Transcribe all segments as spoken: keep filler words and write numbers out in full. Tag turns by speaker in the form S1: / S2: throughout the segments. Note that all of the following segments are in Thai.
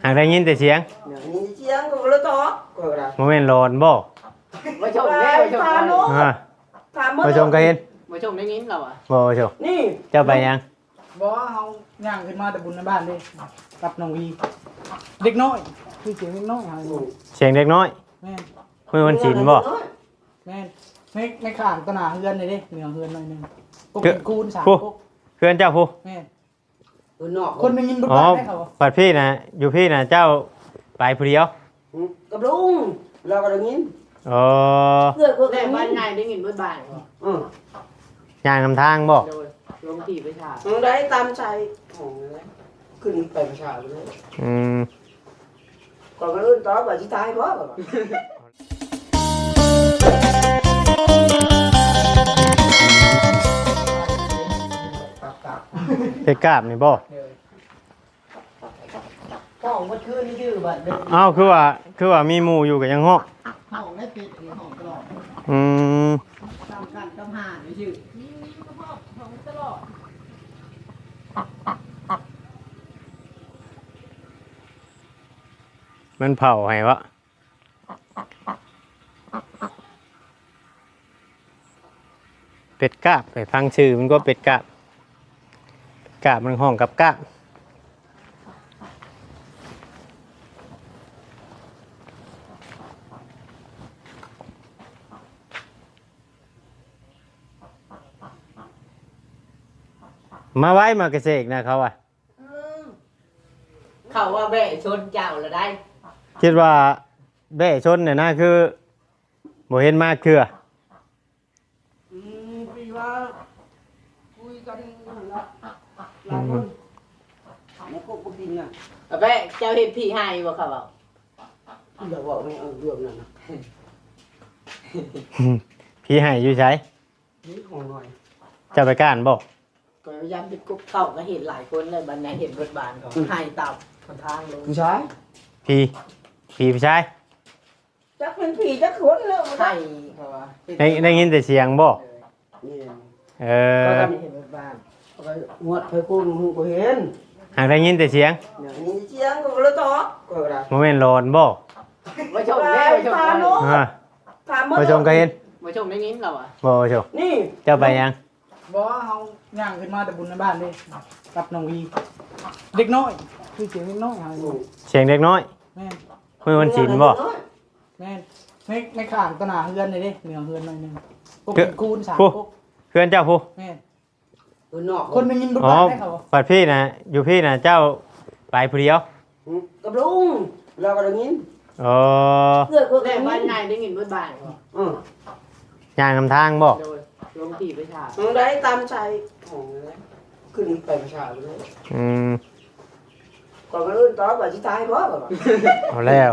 S1: หากได้ยินแต่เสียง
S2: nhìn chiếng có lỡ to có là
S1: โมเมนต์ร้อนบ่
S3: มาชมแน่มาชม
S2: phá nó
S1: อ่า
S2: phá
S1: ผู้ชมก็เห็น
S3: มาชมได้ยินเราอ่ะ
S1: บ่ผู้ชม
S2: nè
S1: เจ้าไปยัง
S4: บ่เฮาย่างขึ้นมาแต่บุญในบ้านเด้กับน้องวีเด็กน้อยคือเสียงเด็กน้อยหาอยู่
S1: เสียงเด็กน้อย
S4: แม่น
S1: มื้อวันศีลบ่
S4: แม่นไม่ไม่ข้างตะหนาเฮือนเลยเด้เหนือเฮือนหน่อยหนึงปกเป็นคูณสาม
S1: ผู้
S4: ปก
S1: เพื่อนเจ้าผู้
S4: แม่น
S2: ừ, nọ
S4: คนได้ยินบุญ
S1: อ๋อ
S4: บ้านได้เขา
S1: ปัดพี่นะอยู่พี่นะเจ้าไปผู้เดียว
S2: ừ, cặp đúng là có được nhìn
S1: อ๋อ
S2: người có
S3: แต่
S2: cái
S3: บ้าน
S2: nhìn
S3: นายได้ยินเมื่อบ่าย
S2: ừ
S1: ย่างนำทางบ่
S3: โดยลงที่ไปฉาบ
S2: ừ, đấy tam chạy ừ, đấy cứ đi phải xả rồi đấy
S1: อืม
S2: còn cái lớn to và chỉ tay quá rồi
S1: เพชรกราบนี่บ่
S4: ห้องมันคืนนี่ชื่อบัดเด้อ
S1: เอ้าคือว่าคือว่ามีหมู่อยู่ก็ยังฮ้อง
S4: ห้องได้ปิดหรือห้องตลอด
S1: อืม
S4: ตามกันตามหานี่ชื่อ
S1: มันเผาให้วะเป็ดกราบไปฟังชื่อมันก็เป็ดกราบเป็ดกราบมันห้องกับกราบมาไว้มากระเสกนะเขาอ่ะ
S3: เขาว่าแบะชนเจ้าละได้
S1: คิดว่าแบ่ชนเนี่ยนะคือบ่เห็นมากคือ
S2: ừ, vì là vuiกันlà là luôn nó có có tin à
S3: แบะเจ้าเห็นผีหายบ่เขาบอก
S2: giờ vợ mày ở đường này nè
S1: พี่ให้อยู่ใช้
S2: nghĩ còn nói
S1: จะไปก้านบ่
S3: ก็ย้ำเป็นกุ๊กเข้าก็เห็นหลายคนเลยบันนี้เห็นรถบานเขาหายตับคนทางลง
S2: ผู้ชาย
S1: พี่พี่ผู้ชาย
S2: chắcเป็นผีchắc khốn nữa
S3: ให้เขาว่า
S1: ได้ได้ยินแต่เสียงบ่
S2: นี่
S1: เอ
S3: ก็
S1: อ
S3: เห็นรถบาน
S2: เอาไปงวดไปคุณมึงบ่เห็น
S1: หากได้ยินแต่เสียง
S2: เนี่ยนี่เสียงก็เลยต่อก็ได้
S1: โมเมนต์ร้อนบ่
S3: มาชมแน่มาชม
S2: พาโน้
S1: อ่า
S2: พา
S1: ผู้ชมก็เห็น
S3: มาชมได้ยินเราอ่ะ
S1: บ่ผู้ชม
S2: นี่
S1: เจ้าไปยัง
S4: บ่เฮาย่างขึ้นมาแต่บุญในบ้านเด้กับน้องวีเด็กน้อยคือเสียงเด็กน้อยหาอยู่
S1: เสียงเด็กน้อย
S4: แม่น
S1: มื้อวันศีลบ่
S4: แม่นไม่ไม่ข้างตะหนาเฮือนเลยเด้เหนือเฮือนหน่อยหนึงปกเป็นคูณสาม
S1: ผู้
S4: ปก
S1: เพื่อนเจ้าผู้
S4: แม่น
S2: เออนอก
S4: คนได้ยินบุญ
S1: อ๋อ
S4: บ้านได้เขา
S1: ปัดพี่นะอยู่พี่นะเจ้าไปผู้เดียว
S2: กับลุงเราก็ได้ยิน
S1: อ๋อ
S2: เพื่อนก็
S3: แต่
S2: ได้
S3: บ้าน
S2: ยิน
S3: นายได้ยินเมื่อบ่าย
S2: อือ
S1: ย่างนำทางบ่
S3: โดยลงที่ไปฉาบ
S2: มึงได้ตามใจของเลยขึ้นไปประชาเลย
S1: อืม
S2: còn cái lớn to và chỉ tay quá rồi
S1: เอาแล้ว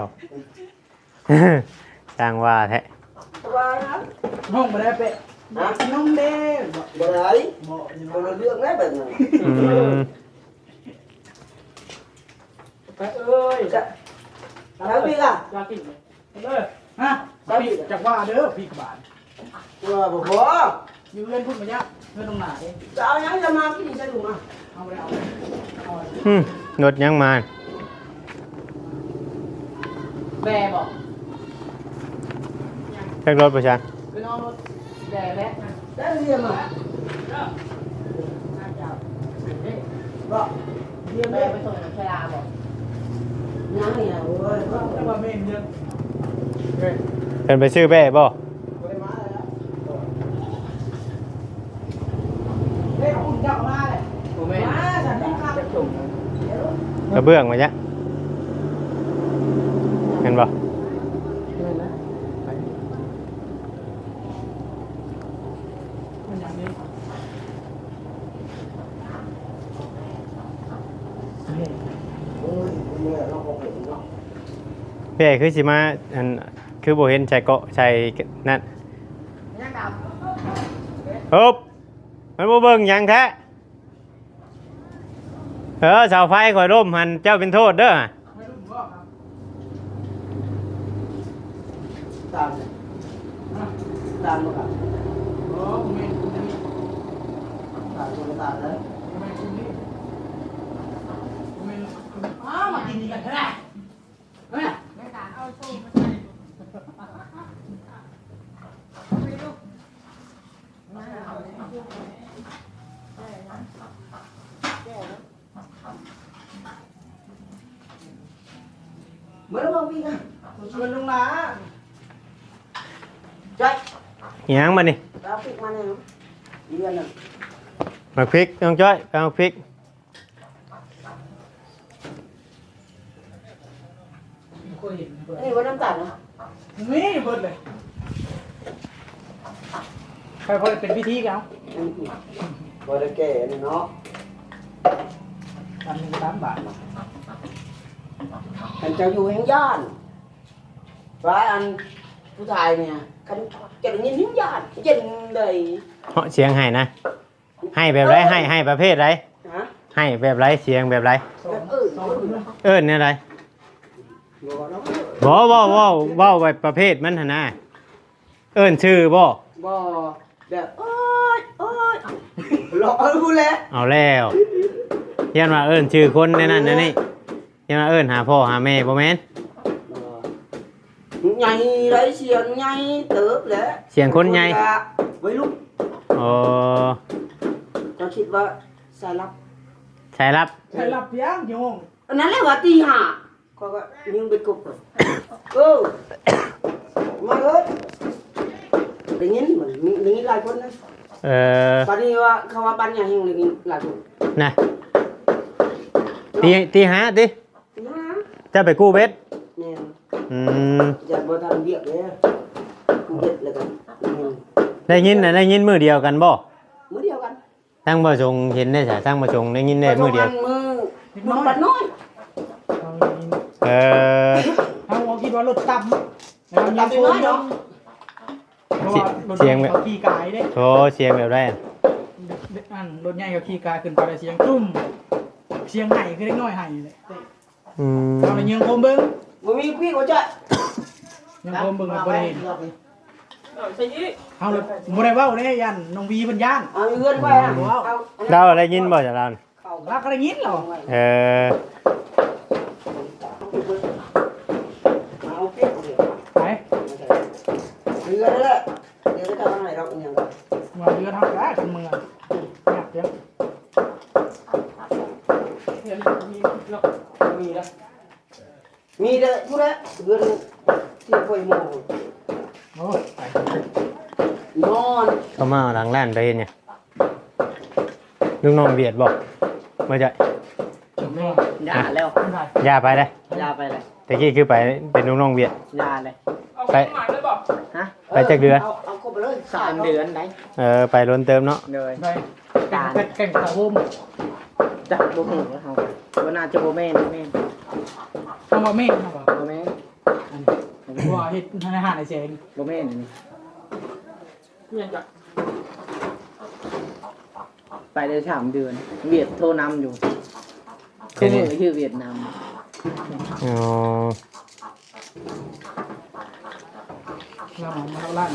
S1: จ้างว่าแท้
S2: qua đó
S4: ห้องบ่ได้เปะ
S2: hả
S4: น้องเด้บ่
S2: rồi đấy
S4: บ่นี่
S2: còn là lương đấy bệnh rồi
S1: อืม
S4: ไปเอ้ย
S2: dạ thấy biết à
S3: อยากกินไหม
S4: เด้อฮะพี่จักว่าเด้อพี่บาท
S2: rồi bộ bố
S4: อยู่เล่นพุ่นมายักเพื่อนตรงไหน
S2: sao nhắn cho ma cái gì sao đúng không
S4: เอาไปเอาเอาไป
S1: อืมรถยังมา
S3: แบะบอก
S1: เรียกรถประชัน
S3: คือน้องรถแบะแล้วนะ
S2: đấy là gì mà
S4: บ่
S2: เรียน
S3: แบะ
S2: đấy
S3: ไปส่งน้ำชลาบอก
S2: nhắn này là ôi
S4: แต่ว่าไม่เยอะเฮ้ย
S1: เป็นไปซื้อแบ่บ่
S2: quay má rồi đó
S4: เฮ้ยคุณจับมาเลย
S3: โมเมนต์
S2: má sản xuất
S3: จะส่ง
S1: กระเบื้องมาจ้ะเห็นบ่
S4: มันอย่างนี้
S2: ôi mẹ nó có bệnh nó
S1: แบ่คือสิมาอันคือบ่เห็นใส่เกาะใส่นั่น
S3: ยังดับ
S1: ฮึบมันบ่เบิ่งหยังแท้เออเสาไฟข่อยร่มหันเจ้าเป็นโทษเด้อ
S4: ไม่รู้ว่าครับ
S2: tàn tàn một cả
S4: โอ้ผมเองคุณนี่
S2: tàn một tàn đấy
S4: ผมเองคุณนี่ผมเองคอ้าวมากินนี่กันเถอะนะเอ้ย
S5: ไม่ตาเอาโซ่มาใส่ไปลูกมาเอาเลยได้นะแก้แล้ว
S2: เมื่อเราวิ่งอ่ะ
S4: ชวนลงมา
S2: ใจ
S1: หยังมานี่
S2: เราปิดมาเนี่ยเรียนอ่ะ
S1: มาพริกน้องจ้อยไปเอาพริก
S4: เคยเห็นเบิด
S2: นี่ว่าน้ำตาลนะ
S4: นี่เบิดเลยใครพอเป็นพิธีกันเอา
S2: บ่ได้แก่เนาะ
S4: อันหนึ่งสามบาท
S2: อันเจ้าอยู่แห่งย่านว่าอันผู้ชายเนี่ยคันจะได้ยินแห่งย่านเย็นเลย
S1: เหาะเสียงให้นะ ให้แบบไรให้ให้ประเภทไร
S2: ฮะ
S1: ให้แบบไรเสียงแบบไร
S4: สอง
S2: เออ
S4: สองคนเลย
S1: เอิ้นเนี่ยไร
S2: บ่เนาะ
S1: บ่บ่บ่บ่ไว้ประเภทมันหั่นนะเอิ้นชื่อบ่
S2: บ่แบบโอ้ยโอ้ยหลอกเอาพูดแล้ว
S1: เอาแล้วเรียนว่าเอิ้นชื่อคนในนั้นในนี่เรียนว่าเอิ้นหาพ่อหาแม่บ่แม่น
S2: ใหญ่ไรเสียงใหญ่เติบแหละ
S1: เสียงคนใหญ่
S2: ไว้ลูก
S1: อ๋อ
S2: ก็คิดว่าสายลับ
S1: ใช่รับ
S4: ใครหลับยังกี่โมง
S2: อันนั้นแหละว่าตีห้าก็ก็ยิงไปกบเลยเออมาเอ้ยได้ยินเหมือนมีได้ยินหลายคนนะ
S1: เออ
S2: ตอนนี้ว่าเขาว่าบ้านใหญ่เฮงได้ยินหลายคน
S1: นะตีตีหาติ
S2: ตีห้า
S1: จะไปกู้เบ็ด
S2: เนี่ย
S1: อืม
S2: อย่าบ่ทำเบียกเลยกูเด็ดเลยกันอืม
S1: ได้ยินน่ะได้ยินมื้อเดียวกันบ่
S2: มื้อเดียวกัน
S1: ทั้งบ่ชงเห็นได้จ้ะทั้งบ่ชงได้ยินได้มื้อเดียว
S2: มือมือปัดน้อย
S4: เอาอีก
S1: เออ
S4: เอาเอาคิดว่ารถต่ำแล้วยังโค้งเนาะเพราะว่ารถใหญ่เขาขี่กายเด้
S1: โธเสียงแบบไรอะ
S4: อันรถใหญ่เขาขี่กายขึ้นไปแล้วเสียงจุ้มเสียงไห่คือเล็กน้อยไห่เลย
S1: อืม
S4: เอาเลยยังโคมเบิ้ง
S2: บ่มีพี่ก็จะ
S4: ยังโคมเบิ้งกับบ่ได้เห็น
S5: ใส่ยี่
S4: เอาเลยบ่ได้เว้าเด้ยันน้องวีเพิ่นย่าน
S2: เอาเงินไว้อะเอา
S1: เราได้ยินบ่จากเรา
S2: เข้า
S4: รักอะไรยินเหรอ
S1: เออ
S2: เอาเก็บเดี๋ยว
S4: ไป
S2: เรือนั่นแหละเดี๋ยวจะทำอะไรเราอย่างไร
S4: มาเรือทำได้กันเมืองอยากเดี๋ยว
S5: เห็นมีหรอก
S2: มีแล้วมีเด้อทุเรศเรือที่ไฟโม
S4: โอ้ยไป
S2: นอน
S1: เขามาเอาหลังร้านไปเห็นเนี่ยลูกน้องเบียดบอกมาจะ
S4: จบแล้ว
S3: ยาแล้ว
S4: ไม่ได้
S1: ย่าไปเลย
S3: ยาไปเลย
S1: ตะกี้คือไปเป็นลูกน้องเบียด
S3: ยาเลย
S5: เอาของหมายเลยบอก
S3: ฮะ
S1: ไปจากเดือน
S2: เอาเอาครบไปเลย
S3: สามเดือนได้
S1: เออไปล้นเติมเนาะ
S3: เลย
S4: ไปแข่งแข่งตะโฮม
S3: จับบุหูเขาวันน่าจะโบแม่นแม่น
S4: ทำมาเมฆนะบ่
S3: โบแม่น
S4: ว่าเฮ็ดในอาหารในเซน
S3: โบแม่น
S5: เพียงจะ
S3: ไปได้สามเดือน เวียดโทรนำอยู่คือมือชื่อเวียดนาม
S1: อ๋อ
S4: เรามาเท่าล้าน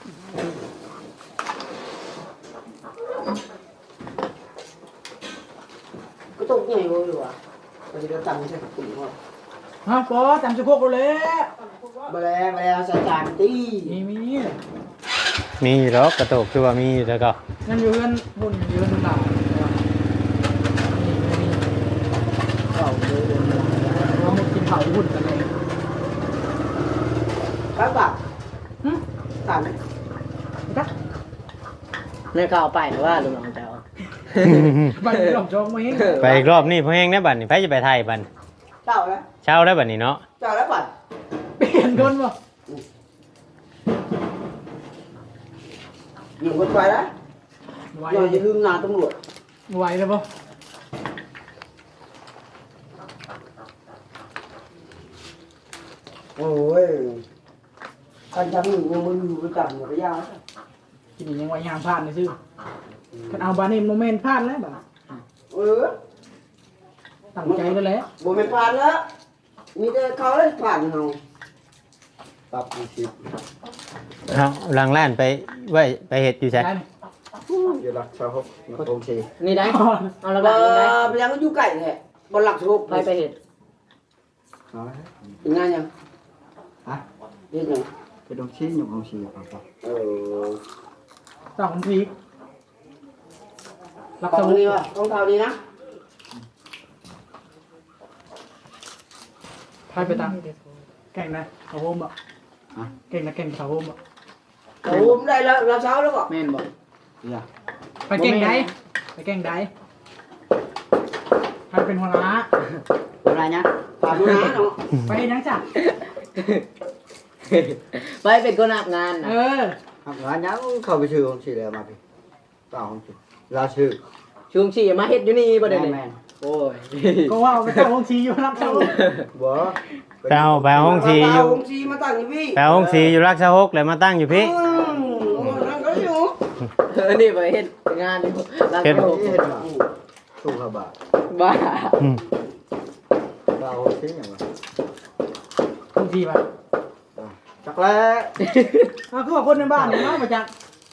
S2: ก็ต้องใหญ่เลยว่ะเราจะตั้งใช่กลุ่มว่า
S4: ฮะก็จำสะโพกเราเลย
S2: แมลงแมลงใส่จานตี
S4: มีมี
S1: มีอยู่หรอกกระโตกคือว่ามีอยู่แล้วก็
S4: นั่นอยู่เพื่อนบุญอยู่เพื่อนหนาวนี่มี
S3: เข้าเลยเดือนละ
S4: เราหมดกินเผาหุ่นกันเลย
S2: ครับแบบ
S4: ฮึ
S2: ต่าง
S4: ตัก
S3: ในข่าวไปหรือว่าลุงน้องเจ้า
S4: ไปหลอกจองมาเอง
S1: ไปอีกรอบนี่พอแห้งได้บัดนี่ไปจะไปไทยบัด
S2: เจ้าแล้ว
S1: เช้าได้บัดนี่เนาะ
S2: เจ้าแล้วป่ะ
S4: เปลี่ยนคนบ่
S2: อยู่คนไปนะ
S4: ไหว
S2: อย่าอย่าลืมงานตำรวจ
S4: ไหวเลยบ่
S2: โอ้ยการทำหนึ่งยังมืออยู่ด้วยกันระยะ
S4: กินยังไหวยามพลาดเลยซื่อคันเอาบานี่โมเมนต์พลาดแล้วบ่
S2: เออ
S4: ตั้งใจแล้วแหละ
S2: โบไม่ผ่านแล้วมีแต่เขาเลยผ่านเราปรับอีกสิบ
S1: เอาหลังร้านไปไว้ไปเฮ็ดอยู่ใช่
S4: ได้
S2: อยู่หลักชาวฮกมาโอเค
S3: นี่ได้
S4: อ๋อ
S3: เอาละ
S2: เอ
S3: กันนี่ได้
S2: อไปยังก็อยู่ไก่แท้บนหลักสุก
S3: ไปไปเห็ด
S2: ถึงงานยัง
S6: ฮะ
S2: เรียกยัง
S6: ไปดงชิ้นอยู่ของชีครับ
S2: เออ
S4: สองทีรับ
S2: ตอ
S4: ส
S2: ง
S4: มุ
S2: นี้
S4: น
S2: วะต้องเท่านี้นะ
S4: พายไปตามแก่งนะเขาโฮมอ่ะเก่งนะเก่งเขาโฮมอ่ะ
S2: โอ้ผมได้แล้วเราเช้าแล้วก็
S3: แม่นบอก
S6: อย่า
S4: ไปเก่งใดไปเก่งใดใครเป็นหัวหน้า
S6: อะไรเนี่ย
S2: ฝากดูนะเนาะ
S4: ไปนังจ้ะ
S3: ไปเป็นคนรับงาน
S4: เอ
S3: นะ
S4: อ
S6: ทำงานยังเข้าไปชื่อของชีแล้วมาพี่เปล่าของชีลาชื่อ
S3: ช่วงฉี่มาเฮ็ดอยู่นี่บ่ได้
S6: แม่
S3: เลย
S6: แม่
S3: โอ้ย
S4: ก็ว่าไปตั้งห้องชีอยู่รับเจ้า
S6: บ่
S1: ไปเอาไปเอาห้องสีอยู่
S2: เาห้องซีมาตั้งอยู่พี่
S1: ไปเอาห้องสีอยู่รักษาหกเลยมาตั้งอยู่พี่
S2: อืมโอ้นั่นก็อยู่
S3: เออนี่ไปเฮ็ดงานอยู่ร้าน
S1: เฮ็ด
S3: โลก
S6: นี่เห็นว่าสู้ขบา
S3: บ้า
S1: อืม
S6: เปล่าของชีอย่างวะ
S4: ห้องชีป่ะ
S6: จักแล้ว
S4: อ้าวคือว่าคนในบ้านเนี่ยเนาะมาจาก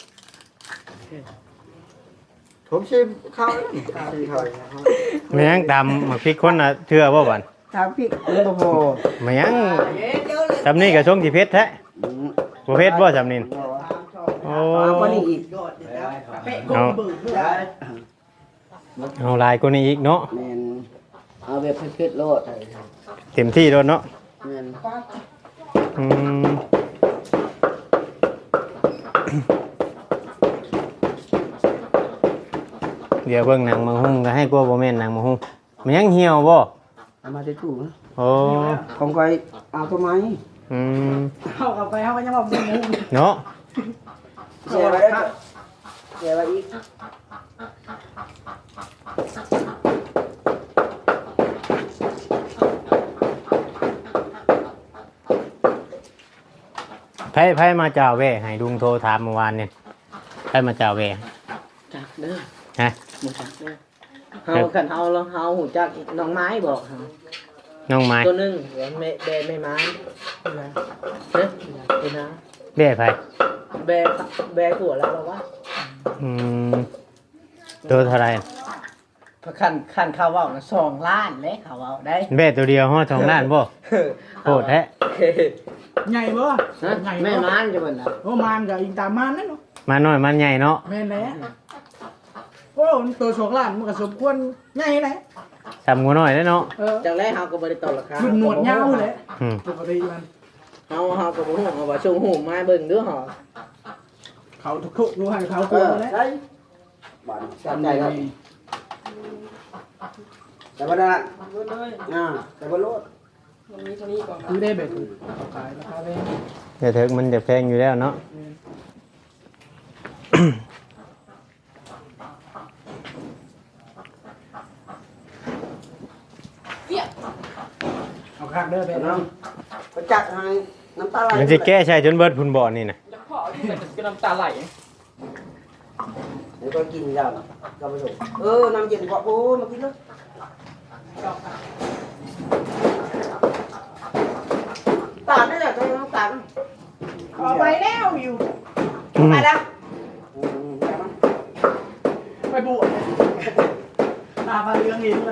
S6: ผมชิมข้าวชีข้าว
S1: ไม่ยังตามหมักพริกคนน่ะเชื่อบ่บัน
S6: ถามพี่เออบ่พอ
S1: ไม่ยัง
S2: เอ๊ะเดี๋ยวเลย
S1: จำนี่กับช่วงที่เพชรแท้บ่เพชรบ่จำนี่โอ้
S2: เอาคนนี้อีก
S4: เป๊ะ
S1: เอา
S4: เบิก
S2: ได้
S1: เอาลายกว่านี้อีกเนาะ
S2: แมนเอาแบบเผ็ดๆโลด
S1: เต็มที่โดนเนาะ
S2: แมน
S1: อืมเดี๋ยวเบิ่งหนังมังหุ้งก็ให้กลัวบ่แม่นหนังมังหุ้งมันยังเหี่ยวบ่
S2: เอามาได้ถูกนะ
S1: โอ้
S2: ของใครเอาทำไม
S1: อืม
S4: เข้ากับไปเข้ากันยังบอกมึงมึง
S1: เนาะ
S2: เสียไว้ได้เสียไว้อีก
S1: ไผไผมาเจ้าแว่ให้ลุงโทรถามเมื่อวานนี่ไผมาเจ้าแว่
S3: จักเด้อ
S1: ฮะ
S3: บ่จักเด้อเฮาคันเฮาแล้วเฮาหูจักน้องไม้บอกเฮา
S1: น้องไม้
S3: ตัวหนึงเดี๋ยวแม่แบไม่ไม้เด้อเดี๋ยวนะ
S1: แว่ไผ
S3: แบแบผัวแล้วเหรอวะ
S1: อืมตัวเท่าไหร่
S3: พระคันคันเขาเว้านะสองล้านเลยเขาเว้าได้
S1: แว่ตัวเดียวฮอดสองล้านบ่โหดแท้
S4: ใหญ่บ่
S3: ฮะ
S4: ใหญ่
S3: แม่
S4: บ่
S3: ม้านจะเบิ่นล่ะ
S4: โอ้มานกับอิงตามมานนั่นเนาะ
S1: มาน้อยมันใหญ่เนาะ
S4: แม่นแล้วโอ้ตัวสองล้านมันก็สมควรใหญ่เลย
S1: ทำงูน้อยได้เนาะ
S4: เออ
S3: จังแรกเฮาก็บ่ได้ต่อราคา
S4: รุ่นหนวดยาวเลย
S1: อืม
S4: ปกติมัน
S3: เฮาเฮาก็บ่ฮู้เอาว่าชงหูมาเบิ่งเด้อเฮา
S4: เขาทุกๆรู้ให้เขา
S2: เอก
S4: ลัว
S2: อ
S4: แล้ว
S2: ใช่บ้านสนใจครับแต่ว่าได้
S5: เบิดเลย
S2: อ่าแต่ว่าโลด
S5: มันมีเท่านี้ก่อน
S4: คือได้แบบขายราคาแพง
S1: เดี๋ยวเถิกมันจะแพงอยู่แล้วเนาะ
S4: เอาคักเด้อไป
S2: แต่
S4: น้
S2: น้ำไปจัดให้น้ำตาไหล
S1: มันจะแก้ใช่จนเบิดพุ่นบ่อนี่นะ
S5: จะขอที่แต่จะน้ำตาไหล
S2: เดี๋ยวก็กินยาวก็ไปส่งเออน้ำเย็นกว่าโอ้มากินเลยตาดได้เลยใช่น้ำตาล
S4: ำขอไปแล้วอยู่
S1: อืม
S2: ไปแล้วอืมไปมั้ย
S4: ไปบวชตาบาเรืองเห็นเลย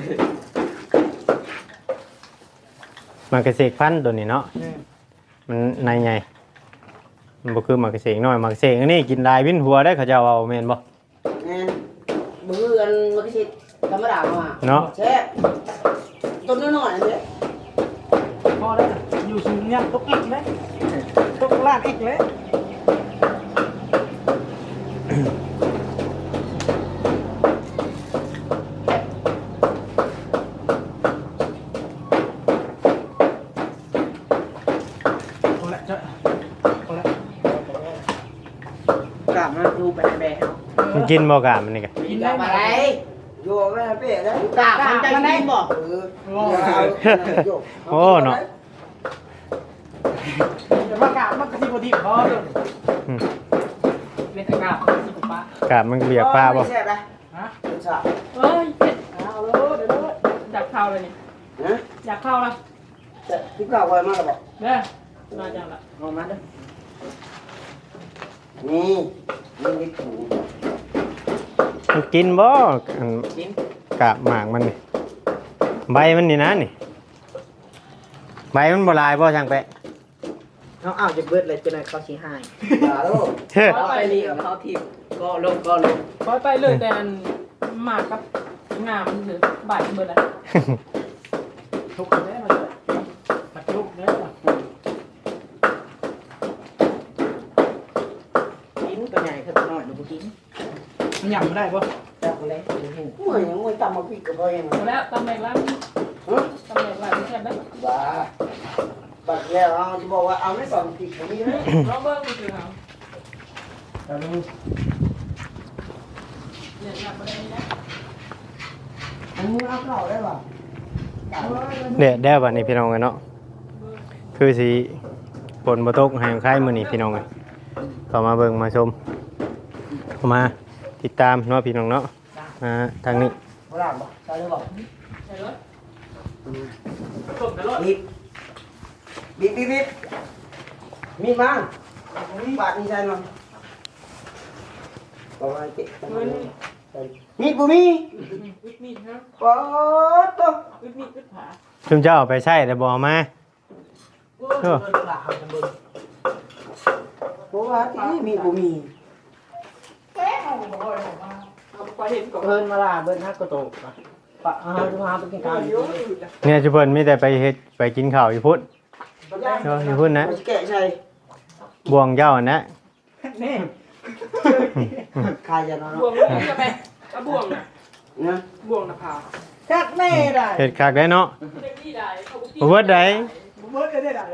S1: มันกระเสกพันธุ์ตัวนี้เนาะ มันในไงมันบ่คือหมากกระเสกน้อยหมากกระเสกอันนี้กินลายวินหัวได้เขาเจ้าเอาแม่นบ่
S2: แน่มือกันมันก็ชิดธรรมดามา
S1: เนาะ
S2: แช่ต้นน้อยๆเนี่ย
S4: พอแล้วอยู่สูงเนี่ยตกอีกเลยตกลาดอีกเลยพอแล้วจะพอแล้ว
S3: กลับมาดูไปแบเฮา
S1: มันกินบ่กะมันนี่กะ
S4: กิน
S2: อ
S4: ได้
S2: ยาก
S4: ไหม
S2: มาไหนโยกไปเป๊ะได้
S3: กลับมันจะกินบ่
S2: เอออย่าเอาโยก
S1: โอ้เนาะ
S4: เดี๋ยวมากราบมันกระซิบกระซิบพอเลย
S1: อืม
S5: เป็นอากาศที่ผมปะ
S1: กะมันเบียกปลาบ่
S2: ไม่แซ่บนะ
S4: ฮะ
S2: เป็นสาบ
S5: เอ้ยเผ็ด
S4: เอาเลยเดี๋ยวเลย
S5: อยากเข้าเลยนี่
S2: นะ
S5: อยากเข้าละ
S2: แต่ที่เก่าไว้มากเลยบอก
S5: เด้อมาจังละ
S3: เอามาเด้อ
S2: นี่นี่นี่ถู
S1: มันกินบ่อัน
S3: กิน
S1: กะหมากมันนี่ใบมันนี่นะนี่ใบมันบ่ลายบ่ช่างแปะ
S3: เขาเอาจะเบิดเลยจนไหนเขาชี้ให้
S6: ตาลูก
S1: เฮ้อ
S3: เขาไปนี่กับเขาทีมก็ลงก็ลง
S5: ปล่อยไปเลยแต่อันหมากกับงามมันถือบ่ายเบิดแล้ว
S4: ทุกคนได้มาเลยปัดทุกเนี่ย
S3: กินตัวใหญ่ขึ้นตัวน้อยดูกิน
S4: มันหยั่งไม่ได้ปะ
S3: จับเลยดูหู
S2: เมื่อยยังไม่ตำมาพี่กับพ่อเอง
S5: หมดแล้วตำแหน่งร้านตำแหน่งร้านไม่ใช่ไหม
S2: บ้าบัดแล้วเอาจะบอกว่าเอาไม่สอนผิดตรงนี้เลย
S5: เราเบิ้งมันคือเขา
S2: แต่ดู
S5: เนี่ยหนักประเด็นนี้นะ
S2: อันนี้เอาเข้าได้ป่ะ
S1: เด็ดแด้บัดนี้พี่น้องกันเนาะคือสิฝนบ่ตกให้ใครมื้อนี้พี่น้องเอ้ยเข้ามาเบิ่งมาชมเข้ามาติดตามเนาะพี่น้องเนาะอ่าทางนี้
S2: โบราณป่ะใช่หรือเปล่า
S5: ใช่รถ
S2: บีบบีบบีบบีบมีดมาบาดนี่ใช่ไหมประมาณเจ็ดมีดบุมี
S5: วิดมีดครับ
S2: ป๊อดตัว
S5: วิดมีดวิดผา
S1: ชุมเจ้าเอาไปใช้แต่บ่เอามา
S3: เออหลาเอาจนเบิด
S2: เพราะว่าที่มีดบุมี
S5: เอาไปเห็นก่อน
S3: เพิ่นมาลาเบิดฮักกระโตกปะเอาจะพาไปกินข้าวอยู่
S1: เนี่ยจุเพิ่นมีแต่ไปเฮ็ดไปกินข้าวอยู่พุ่นเนาะอยู่พุ่นนะ
S2: แกะใช่
S1: บ่วงเจ้าอันนะ
S4: นี่
S2: คายจะนอน
S5: บ่วงนี่จะไปเอาบ่วงนะ
S2: นะ
S5: บ่วงนะพา
S4: จัดแน่ได้
S1: เฮ็ดคักได้เนาะ
S5: เด็กนี่ได้เขาบุก
S1: บ่เบิดได้
S4: บุเบิร์ดก็ได้ได้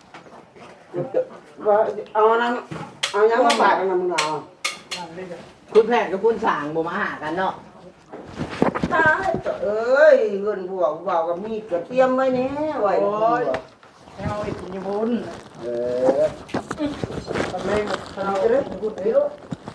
S2: ว่าเอาน้ำเอาน้ำมาปาดกันนะมึงเอา
S3: คุณแพทย์กับคุณสางบ่มาหากันเนาะ
S2: ตายเอ้ยเงินบวกบวกกับมีดกับเตรียมไว้เนี่ยไว้
S4: เอาไอ้กินญี่ปุ่น
S2: เออทำไมทำจะได้พูดเยอะ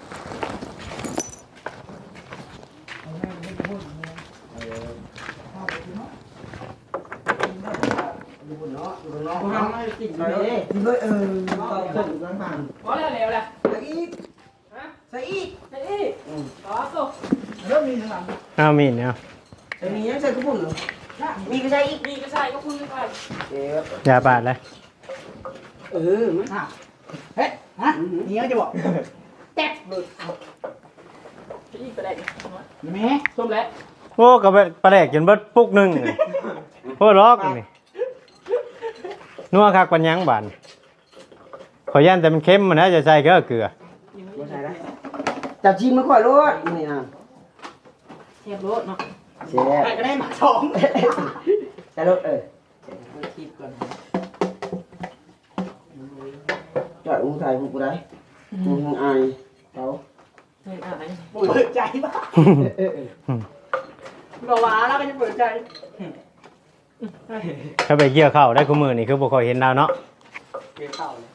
S2: ดูบนเนาะดูบนเนาะ
S3: กูทำให้กิน
S2: ไป
S3: เล
S2: เลย
S3: ย
S2: กินเลยเออเอาขึ้นข้างผ่าน
S5: พอแล้วแล้วแหละ
S2: ใส่อีก
S5: ฮะ
S2: ใส่อีก
S5: ไอ้นี่ต่อตัว
S4: เริ่มมีหลัง
S1: เอามีดเนี่ย
S2: ใส่มียังใส่กุ้งเหรอมีก็ใส่อีก
S5: มีก็ใช่ก็คุยไป
S2: เอ๊ะ
S1: อย่าปาดเลย
S2: เออมัน
S4: อ่ะเฮ้ยฮะนี่เขาจะบอก
S5: แจ๊บเลยอีกประเด็น
S4: แม่
S5: ส้มแล้ว
S1: โอ้ก็ไปปลาแดกจนเบิดปุกหนึงนี่โอ้ล็อกนี่นัวคักปัญญังบานขอย่านแต่มันเค็มมันนะจะใส่ก็เกลือ
S2: ไม่ใส่ได้จับจีนมาค่อยรถนี่นะ
S5: เทียบรถเนาะ
S2: เสีย
S4: ใครก็ได้หมาสอง
S2: ใส่รถเออ
S3: คิดก่อน
S2: จอดอุ้งไทยพวกกูได้มึงอายเขา
S5: เฮ้ยอะไร
S4: เปิดใจป่ะบอกว่าแล้วก็จะเปิดใจ
S1: ถ้าไปเกี่ยวข้าวได้คู่มือนี่คือบ่ค่อยเห็นดาวเนาะ
S3: เกี่ยวข้าวเลย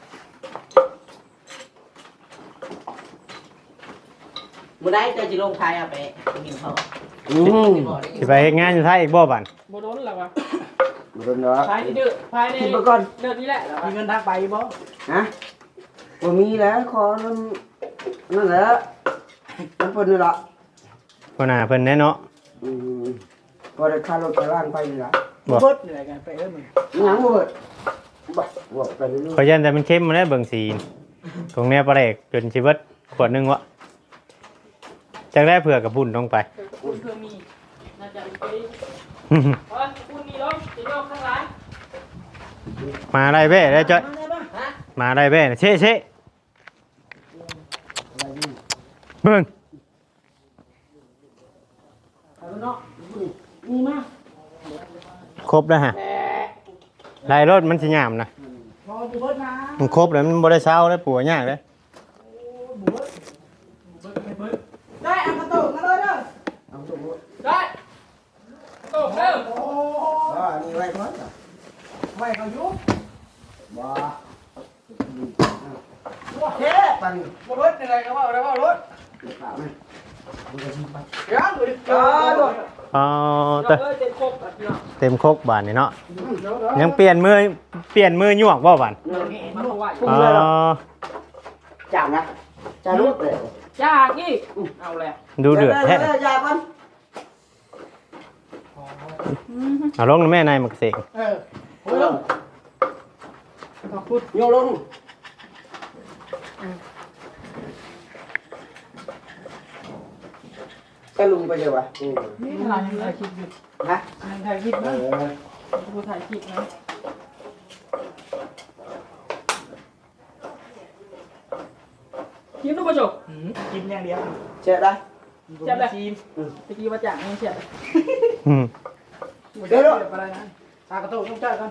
S3: บ่ได้เจอจิลงไทยเอาไปกินเขา
S2: อืม
S1: สิไปเฮ็ดงานอยู่ไทยอีกบ่บัด
S5: โบโดนหรอวะ
S2: มาโดนเนาะ
S5: ภายในเดือภายใน
S2: คิดมาก่อน
S5: เดือนนี้แหละ
S4: มีเงินทักไปบ่
S2: ฮะบ่มีแล้วขอนั่นนั่นแหละนั่นเพิ่นนี่ละ
S1: พ่อหน้าเพิ่นแน่เนาะ
S2: อืมพอได้ค่ารถไปบ้านไปนี่ละ
S1: บ่
S4: เบิร์ดเหนื่อยกันไปเริ่มมึง
S2: ยังบ่เบิดบ่บ่ไปเรื่อย
S1: ขอย่านแต่มันเค็มมันได้เบิ่งสีตรงเนี้ยปลาแดกจนสิเบิดขวดหนึงวะจักได้เผื่อกับบุญลงไป
S5: คุณเพื่อมีน่าจะเป็นปีเพราะคุณมีรถจะโยกข้างหลัง
S1: มาได้เบ้ได้จ้อย
S3: ฮะ
S1: มาได้เบ้เช่เช่เบิ่ง
S3: เอาเนาะมีมาก
S1: ครบแล้วฮะลายรถมันสิยามนะ
S4: พอบุเบิร์ดนะ
S1: มันครบแล้วมันบ่ได้เช้าได้ปัวยากเลย
S4: บุเบิร์ดบุเบิร์ดเบิร์ดได้อันกระตุกมาเลยเด้อ
S2: ๆเอาตัว
S5: ได้ตกเร็ว
S4: โอ้
S2: อ๋ออันนี้ไว้ก่อนจ้ะ
S4: ไว้เขายุบ
S2: บ่เฮ้ปัน
S4: บุเบิร์ดเหนื่อยก็ว่าแล้วว่ารถ
S2: เปล่าไหมมึงจะชิมไป
S4: ยังอยู่ดิ
S2: อ๋อตัว
S1: อ๋อ
S5: เรา
S1: เต
S5: เอ้ยเต็มครบแบบนี้เนาะ
S1: เต็มครกบานนี่เนาะยังเปลี่ยนมือเปลี่ยนมือหยวกบ่บาน
S5: มันเอาไว้
S1: อ๋อ
S2: จับนะจะรูดเลย
S5: ยากอีกเอาแหละ
S1: ดูเดือดแท้
S2: ยาก่อน
S4: หอ
S1: เอาลงนะแม่นายมักเสก
S4: เออโอ้ยลงขอบคุณ
S2: โยลงก็ลุงไปเลยวะอืม
S4: นี่เรายังถ่ายคลิปอยู่
S2: ฮะ
S4: ยังถ่ายคลิป
S2: เอ
S4: นะ
S2: อ
S4: กูถ่ายคลิปนะ
S3: คิดดูประจบ
S4: อืมกินอย่างเดียว
S2: เชื่อได้
S4: จับเลยทีมตะกี้มาจากนี่เชียร์
S1: อืม
S4: เดี๋ยวเดี๋ยวอะไรนะตากระโตุกต้องจ่ายกัน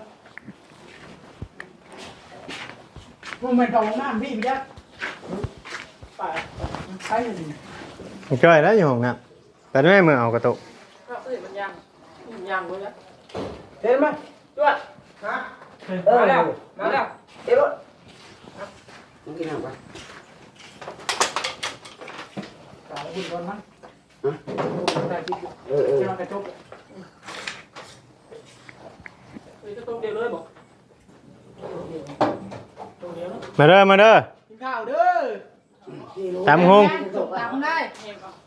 S4: มึงเป็นของน้ำพี่พี่ยักษ์ไปใช้หนึ่ง
S1: จ้อยแล้วอยู่ห้องน้ำแต่แม่มือเอากระตุก
S3: ก็เอ้ยมันยังมันยังเลยนะ
S2: เห็นไหม
S3: ด้วย
S2: ฮะ
S3: มาแล้วมาแล้ว
S2: เดี๋ยวมึงกินอะไร
S4: ตาหุ่นก่อนมั้ง
S2: ฮะ
S4: ถ่ายคลิปอยู่
S2: เออเออ
S4: เจ้ากระจก
S3: เฮ้ยก็ตรงเดียวเลยบอก
S4: ตัวเดียวนะ
S1: มาเด้อมาเด้อ
S4: กินข้าวเด้อ
S1: ตามหง
S4: ตามได้
S3: เห็นปะ